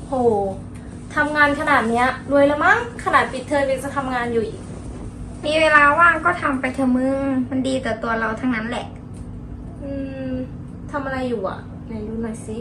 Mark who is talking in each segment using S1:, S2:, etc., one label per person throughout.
S1: โหทำงานขนาดเนี้ยรวยแล้วมั้งขนาดปิดเทอมยังจะทำงานอยู่อีก
S2: มีเวลาว่างก็ทำไปเถอะมึงมันดีต่อตัวเราทั้งนั้นแหละ
S1: อืมทำอะไรอยู่อ่ะไหนดูหน่อยสิ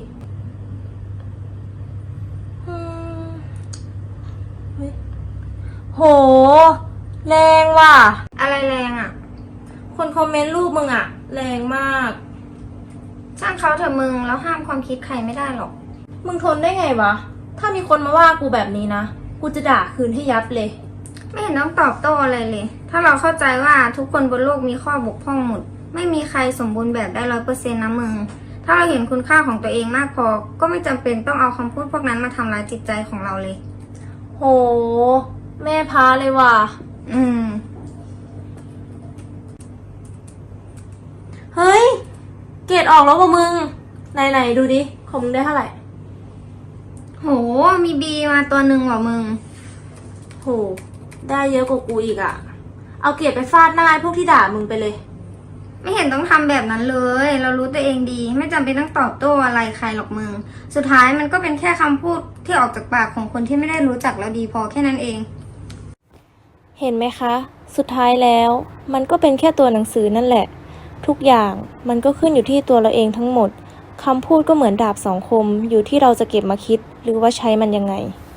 S1: อืมเฮ้ยโหแรงว่ะ
S2: อะไรแรงอ่ะ
S1: คนคอมเมนต์รูปมึงอ่ะแรงมาก
S2: ช่างเขาเถอะมึงแล้วห้ามความคิดใครไม่ได้หรอก
S1: มึงทนได้ไงวะถ้ามีคนมาว่ากูแบบนี้นะกูจะด่าคืนให้ยับเลย
S2: ไม่เห็นต้องตอบโต้อะไรเลยถ้าเราเข้าใจว่าทุกคนบนโลกมีข้อบกพร่องหมดไม่มีใครสมบูรณ์แบบได้100%นะมึงถ้าเราเห็นคุณค่าของตัวเองมากพอก็ไม่จำเป็นต้องเอาคำพูดพวกนั้นมาทำร้ายจิตใจของเราเลย
S1: โหแม่พาเลยว่ะเฮ้ยเกรดออกแล้วว่ะมึงไหนดูดิของมึงได้เท่าไหร่
S2: โหมีบีมาตัวหนึ่งว่ะมึง
S1: โหได้เยอะกว่ากูอีกอะเอาเกรดไปฟาดหน้าพวกที่ด่ามึงไปเลย
S2: ไม่เห็นต้องทำแบบนั้นเลยเรารู้ตัวเองดีไม่จำเป็นต้องตอบโต้อะไรใครหรอกมึงสุดท้ายมันก็เป็นแค่คำพูดที่ออกจากปากของคนที่ไม่ได้รู้จักเราดีพอแค่นั้นเอง
S1: เห็นไหมคะสุดท้ายแล้วมันก็เป็นแค่ตัวหนังสือนั่นแหละทุกอย่างมันก็ขึ้นอยู่ที่ตัวเราเองทั้งหมดคำพูดก็เหมือนดาบสองคมอยู่ที่เราจะเก็บมาคิดหรือว่าใช้มันยังไง